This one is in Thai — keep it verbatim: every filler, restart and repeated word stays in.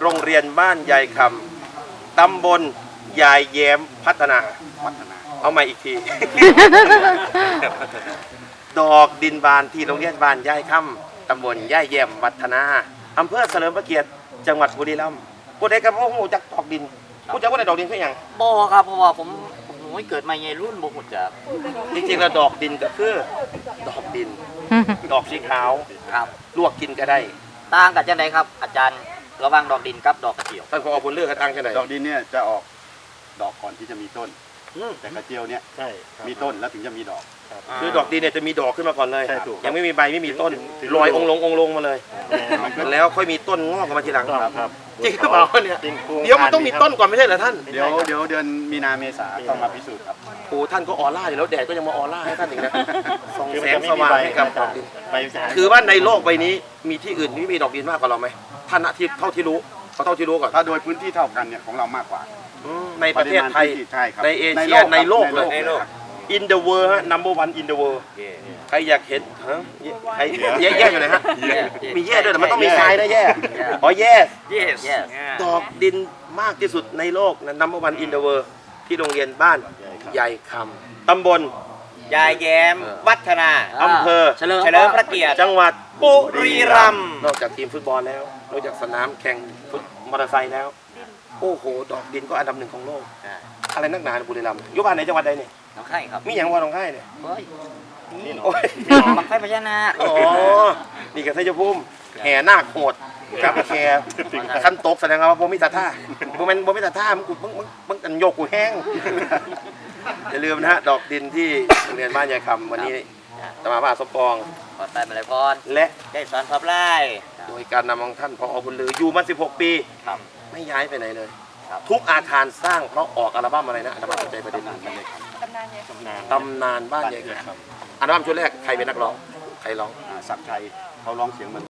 โรงเรียนบ้านยายคำตำบลยายแย้มพัฒนาพัฒนาเอาใหม่อีกที ดอกดินบานที่โรงเรียนบ้านยายคำตำบลยายแย้มพัฒนาอำเภอเฉลิมพระเกียรติจังหวัดบุรีรัมย์ผู้ใดกับผู้หูจักดอกดินผู้จักว่าได้ดอกดินเพื่ออย่างบ่ครับเพราะว่าผมผมไม่เกิดมาในรุ่นบ่รู้จักจริงๆแล้วดอกดินก็คือดอกดิน ดอกสีขาวครับลวกกินก็ได้ต่างกันจังไดครับอาจารย์ระหว่างดอกดินกับดอกกระเจียวท่านผอผลเลือกกันตั้งแค่ไหนดอกดินเนี่ยจะออกดอกก่อนที่จะมีต้นอืมแต่กระเจียวเนี่ยใช่มีต้นแล้วถึงจะมีดอกคือดอกดินเนี่ยจะมีดอกขึ้นมาก่อนเลยใช่ถูกยังไม่มีใบไม่มีต้นถึงลอยองค์ลงองค์ลงมาเลยมันก็แล้วค่อยมีต้นงอกออกมาทีหลังครับจริงหรือเปล่าเนี่ยเดี๋ยวมันต้องมีต้นก่อนไม่ใช่เหรอท่านเดี๋ยวเดี๋ยวเดือนมีนาเมษาต้องมาพิสูจน์ครับโอ้ท่านก็ออร่าอยู่แล้วแดดก็ยังมาออร่าให้ท่านอีกนะส่องแสงสว่างให้กับดอกดินใบสารคือว่าในโลกใบนี้มีที่อื่นที่มีดอกดินมากกว่าเราไหมท่านนะที่เท่าที่รู้เขาเท่าที่รู้ก่อนถ้าโดยพื้นที่เท่ากันเนี่ยของเรามากกว่าอืมในประเทศไทยใช่ครับในเอเชียในโลกเลยในโลก in the world ฮะ number one in the world ใครอยากเห็นฮะใครแย่แย่อยู่ไหนฮะมีแย่ด้วยแต่มันต้องมีทรายนะแย่อ๋อแย่ yes yes ดอกดินมากที่สุดในโลกนะ number one in the world ที่โรงเรียนบ้านใหญ่คำตำบลยายแย้มวัฒนาอำเภอเฉลิมเฉลิมพระเกียรติจังหวัดบุรีรัมย์นอกจากทีมฟุตบอลแล้วนอกจากสนามแข่งฟุตมอเตอร์ไซค์แล้ว โอ้โห ดอกดินก็อันดับหนึ่งของโลก อะไรนักหนาบุรีรัมย์อยู่บ้านไหนจังหวัดใดเนี่ยน้องไข่ครับมีอย่างว่าหนองไห้เนี่ยเฮ้ยโอ้ยบังไฟพญานาคอ๋อ นี่กับไทยภูมิแห่นาคโหดกับแห่ขั้นตกแสดงว่าผมมีศรัทธาผมเป็นผมมีศรัทธามึงกูมึงมึงมึงอันโยกกูแห้ง อย่าลืมนะฮะ ดอกดินที่โรงเรียนบ้านยายคำวันนี้ตมาบ้าสมปองขอดไปมาเลยพรและได้สอนพับไล่โดยการนำของท่านพอบุญลืออยู่มาสิบหกปีครับไม่ย้ายไปไหนเลยครับทุกอาคารสร้างเพราะออกอัลบั้มอะไรนะอัลบั้มสนใจประเด็นนี้ตำนานบ้านยายคำอัลบั้มชุดแรกใครเป็นนักร้องใครร้องอ่าศักดิ์ชัยเขาร้องเสียงเหมือน